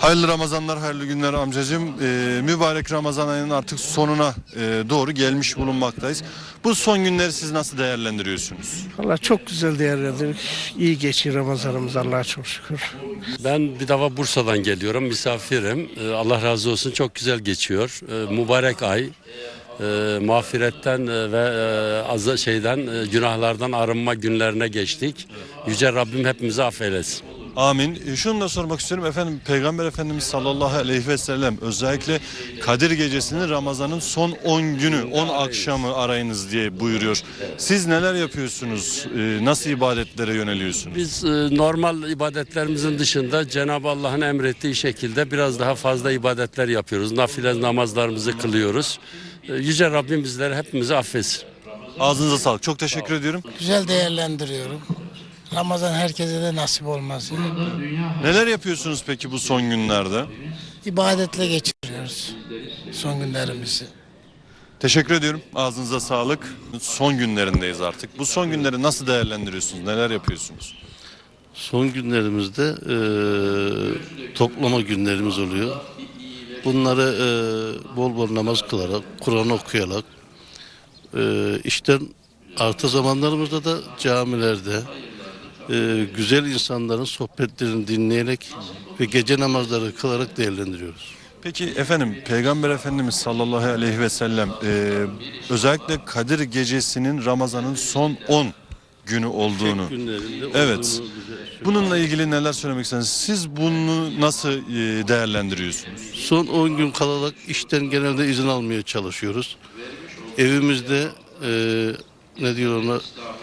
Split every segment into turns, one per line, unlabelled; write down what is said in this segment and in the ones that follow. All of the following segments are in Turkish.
Hayırlı Ramazanlar, hayırlı günler amcacığım. Mübarek Ramazan ayının artık sonuna doğru gelmiş bulunmaktayız. Bu son günleri siz nasıl değerlendiriyorsunuz?
Valla çok güzel değerlendirdik. İyi geçiyor Ramazanımız, Allah'a çok şükür.
Ben bir defa Bursa'dan geliyorum, misafirim. Allah razı olsun, çok güzel geçiyor. Mübarek ay, mağfiretten ve günahlardan arınma günlerine geçtik. Yüce Rabbim hepimizi affeylesin.
Amin. Şunu da sormak istiyorum efendim, Peygamber Efendimiz sallallahu aleyhi ve sellem özellikle Kadir Gecesi'ni Ramazan'ın son 10 günü, 10 akşamı arayınız diye buyuruyor. Siz neler yapıyorsunuz? Nasıl ibadetlere yöneliyorsunuz?
Biz normal ibadetlerimizin dışında Cenab-ı Allah'ın emrettiği şekilde biraz daha fazla ibadetler yapıyoruz. Nafile namazlarımızı kılıyoruz. Yüce Rabbim bizleri hepimizi affetsin.
Ağzınıza sağlık. Çok teşekkür ediyorum.
Güzel değerlendiriyorum. Ramazan herkese de nasip olmaz.
Neler yapıyorsunuz peki bu son günlerde?
İbadetle geçiriyoruz son günlerimizi.
Teşekkür ediyorum. Ağzınıza sağlık. Son günlerindeyiz artık. Bu son günleri nasıl değerlendiriyorsunuz? Neler yapıyorsunuz?
Son günlerimizde toplama günlerimiz oluyor. Bunları bol bol namaz kılarak, Kur'an okuyarak, işten artı zamanlarımızda da camilerde güzel insanların sohbetlerini dinleyerek ve gece namazları kılarak değerlendiriyoruz.
Peki efendim, Peygamber Efendimiz sallallahu aleyhi ve sellem özellikle Kadir Gecesi'nin Ramazan'ın son 10 günü olduğunu.
Günlerinde
Evet.
olduğunu
Bununla ilgili neler söylemek istersiniz? Siz bunu nasıl değerlendiriyorsunuz?
son 10 gün kalarak işten genelde izin almaya çalışıyoruz. Evimizde ne diyor ona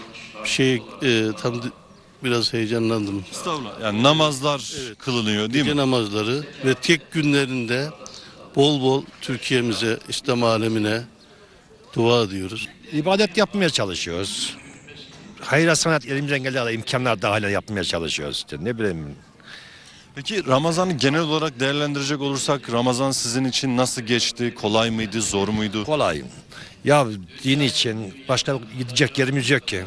biraz heyecanlandım.
Estağfurullah. Yani namazlar kılınıyor değil
Gece
mi?
namazları ve tek günlerinde bol bol Türkiye'mize, İslam alemine dua ediyoruz.
İbadet yapmaya çalışıyoruz. Hayır sanat elimizden geldiği imkanlar dahil yapmaya çalışıyoruz. İşte ne bileyim.
Peki Ramazan'ı genel olarak değerlendirecek olursak Ramazan sizin için nasıl geçti? Kolay mıydı? Zor muydu?
Kolay. Ya din için başka gidecek yerimiz yok ki.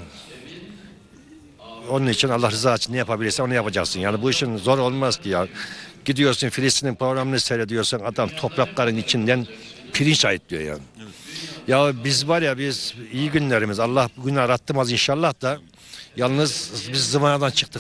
Onun için Allah rızası için ne yapabilirsen onu yapacaksın. Yani bu işin zor olmaz ki ya. Gidiyorsun Filistin'in programını seyrediyorsun. Adam toprakların içinden pirinç ayıtlıyor yani. Evet. Ya biz iyi günlerimiz. Allah bugün arattırmaz inşallah da. Yalnız biz zıvanadan çıktık.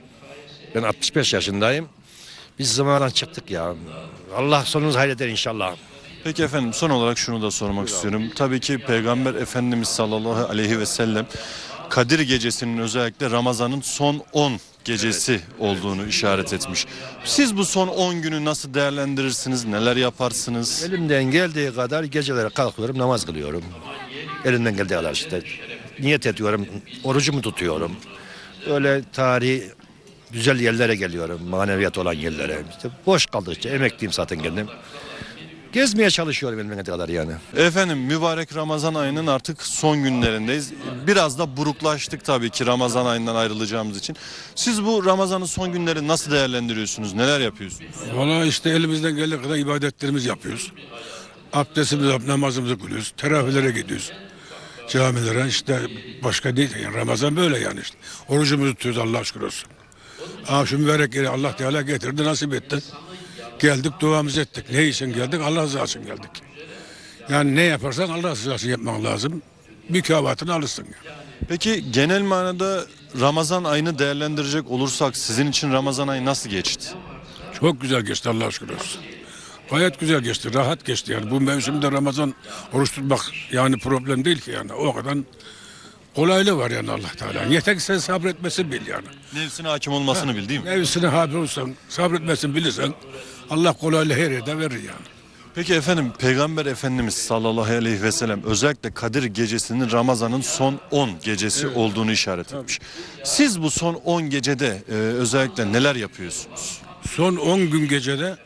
Ben 65 yaşındayım. Biz zıvanadan çıktık ya. Allah sonumuzu hayreder inşallah.
Peki efendim, son olarak şunu da sormak istiyorum. Tabii ki Peygamber Efendimiz sallallahu aleyhi ve sellem Kadir Gecesi'nin özellikle Ramazan'ın son 10 gecesi olduğunu işaret etmiş. Siz bu son 10 günü nasıl değerlendirirsiniz? Neler yaparsınız?
Elimden geldiği kadar gecelere kalkıyorum, namaz kılıyorum. Elimden geldiği kadar işte niyet ediyorum, orucumu tutuyorum. Öyle tarihi güzel yerlere geliyorum, maneviyat olan yerlere. İşte boş kaldıkça emekliyim zaten kendim. Gezmeye çalışıyorum elimden geldiği kadar yani.
Efendim, mübarek Ramazan ayının artık son günlerindeyiz. Biraz da buruklaştık tabii ki Ramazan ayından ayrılacağımız için. Siz bu Ramazan'ın son günleri nasıl değerlendiriyorsunuz? Neler yapıyorsunuz?
Valla işte elimizden geldiği kadar ibadetlerimizi yapıyoruz. Abdestimizi, namazımızı kılıyoruz. Teravihlere gidiyoruz. Camilere işte başka değil. Yani Ramazan böyle yani işte. Orucumuzu tutuyoruz, Allah'a şükür olsun. Şu mübarek yeri Allah Teala getirdi, nasip etti. Geldik, duamızı ettik. Ne için geldik? Allah rızası için geldik. Yani ne yaparsan Allah rızası için yapman lazım. Mükafatını alırsın. Yani.
Peki genel manada Ramazan ayını değerlendirecek olursak sizin için Ramazan ayı nasıl geçti?
Çok güzel geçti, Allah'a şükür olsun. Gayet güzel geçti, rahat geçti yani. Bu mevsimde Ramazan oruç tutmak yani problem değil ki yani. O kadar kolaylığı var yani Allah Teala. Yeter ki sen sabretmesi bil yani.
Nefsine hakim olmasını bil değil mi?
Nefsine haber olsan, sabretmesini bilirsen Allah kolaylığı her yerde verir yani.
Peki efendim, Peygamber Efendimiz sallallahu aleyhi ve sellem özellikle Kadir Gecesi'nin Ramazan'ın son 10 gecesi olduğunu işaret etmiş. Siz bu son 10 gecede özellikle neler yapıyorsunuz?
Son 10 gün gecede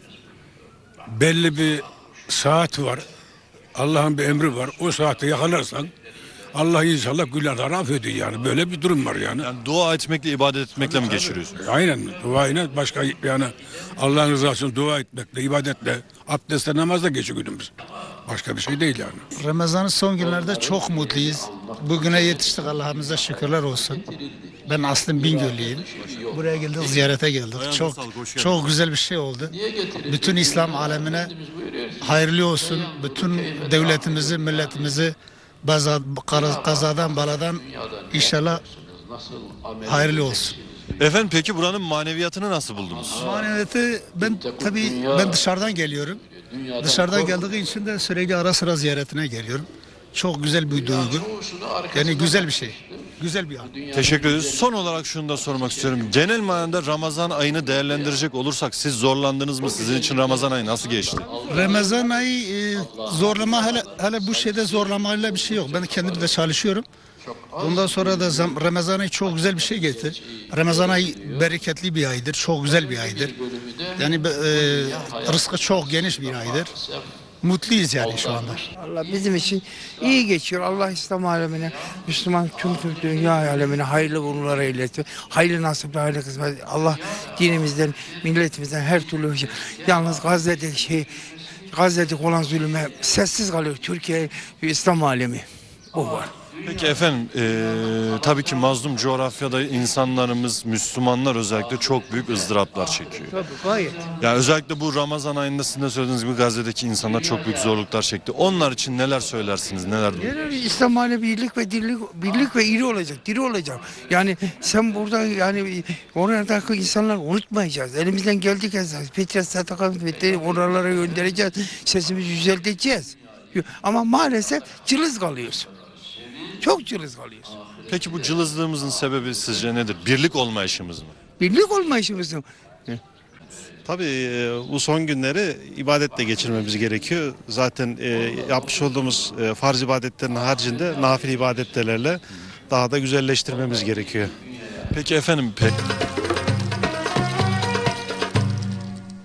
belli bir saat var. Allah'ın bir emri var. O saate yakalarsan Allah inşallah günahları affediyor yani. Böyle bir durum var yani.
Yani dua etmekle, ibadet etmekle mi geçiriyorsunuz?
Aynen. Duayla başka yani Allah'ın rızası için dua etmekle, ibadetle, abdestle, namazla geçiyor günümüz. Başka bir şey değil yani.
Ramazan'ın son günlerde çok mutluyuz. Bugüne yetiştik, Allah'ımıza şükürler olsun. Ben aslında Bingöllüyüm. Buraya geldik, ziyarete geldik.
Ayağınıza sağlık, hoş geldiniz.
Çok güzel bir şey oldu. Bütün İslam alemine hayırlı olsun. Bütün devletimizi, milletimizi kazadan baladan inşallah hayırlı olsun.
Efendim peki buranın maneviyatını nasıl buldunuz?
Maneviyatı ben dışarıdan geliyorum. Dışarıdan geldiği için de sürekli ara sıra ziyaretine geliyorum. Çok güzel bir duygu. Yani güzel bir şey. Güzel bir an.
Teşekkür ederiz. Son olarak şunu da sormak istiyorum. Genel manada Ramazan ayını değerlendirecek olursak siz zorlandınız mı? Sizin için Ramazan ayı nasıl geçti?
Ramazan ayı zorlama hele bu şeyde zorlamayla bir şey yok. Ben kendim de çalışıyorum. Ondan sonra da Ramazan ayı çok güzel bir şey getir. Ramazan ayı bereketli bir aydır. Çok güzel bir aydır. Yani rızkı çok geniş bir aydır. Mutluyuz yani şu anda.
Allah bizim için iyi geçiyor. Allah İslam alemine, Müslüman tüm dünya alemine hayırlı uğurlar eylesin. Hayırlı nasipler, hayırlı kısmet. Allah dinimizden, milletimizden her türlü yalnız Gazze'de olan zulüme sessiz kalıyor. Türkiye ve İslam alemi. O var.
Peki efendim tabii ki mazlum coğrafyada insanlarımız, Müslümanlar özellikle çok büyük ızdıraplar çekiyor.
Tabii gayet.
Yani özellikle bu Ramazan ayında sizin de söylediğiniz gibi Gazze'deki insanlar çok büyük zorluklar çekti. Onlar için neler söylersiniz, neler
Yani İslam alemi birlik ve iri olacak, diri olacak. Yani sen burada yani oradaki insanları unutmayacağız. Elimizden geldiği kadar fitre, sadaka, oralara göndereceğiz. Sesimizi yücelteceğiz. Ama maalesef cılız kalıyoruz. Çok cılız kalıyoruz.
Peki bu cılızlığımızın sebebi sizce nedir? Birlik olmayışımız mı?
Birlik olmayışımızın.
Tabii bu son günleri ibadetle geçirmemiz gerekiyor. Zaten yapmış olduğumuz farz ibadetlerin haricinde nafile ibadetlerle daha da güzelleştirmemiz gerekiyor.
Peki efendim